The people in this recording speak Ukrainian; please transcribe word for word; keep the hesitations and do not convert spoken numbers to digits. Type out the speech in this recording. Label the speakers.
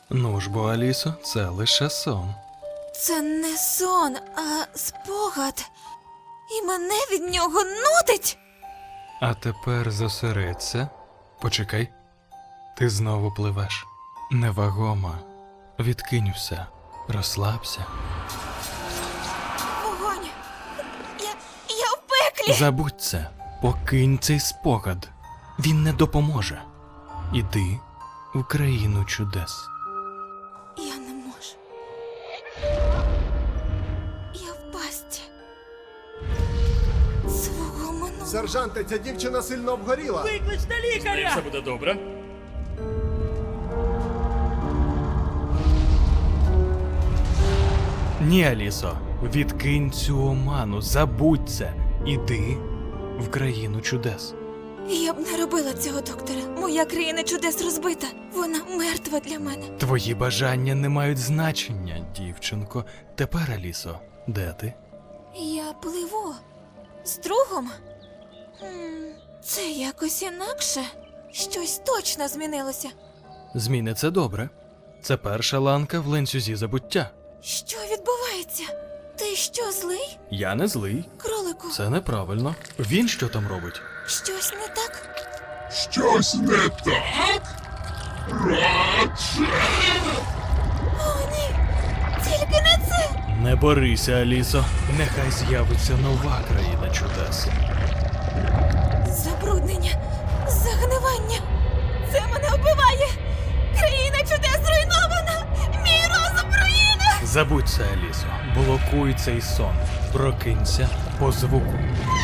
Speaker 1: Ну ж бо, Алісо, це лише сон.
Speaker 2: Це не сон, а спогад. І мене від нього нудить.
Speaker 1: А тепер зосередься. Почекай. Ти знову пливеш. Невагома. Відкинь все. Розслабся.
Speaker 2: Вогонь. Я, я в пеклі.
Speaker 1: Забудь це. Покинь цей спогад. Він не допоможе. Іди в країну чудес.
Speaker 2: Я не можу. Я в пастці. Свого минулого.
Speaker 3: Сержанте, ця дівчина сильно обгоріла.
Speaker 4: Викличте лікаря!
Speaker 5: Все буде добре.
Speaker 1: Ні, Алісо, відкинь цю оману, забудь це. Іди в країну чудес.
Speaker 2: Я б не робила цього, доктора. Моя країна чудес розбита. Вона мертва для мене.
Speaker 1: Твої бажання не мають значення, дівчинко. Тепер, Алісо, де ти?
Speaker 2: Я пливу. З другом? Хм, це якось інакше. Щось точно змінилося.
Speaker 1: Зміни це добре. Це перша ланка в ланцюзі забуття.
Speaker 2: Що відбувається? Ти що, злий?
Speaker 1: Я не злий.
Speaker 2: Кролику,
Speaker 1: Це неправильно. Він що там робить?
Speaker 2: щось не так?
Speaker 6: Щось не так? Радше!
Speaker 2: О, ні! Тільки не це!
Speaker 1: Не борися, Алісо. Нехай з'явиться нова країна чудес.
Speaker 2: Забруднення, загнивання. Це мене вбиває. Країна чудес зруйнована. Мій розум руїна.
Speaker 1: Забудь це, Алісо. Блокуй цей сон. Прокинься по звуку.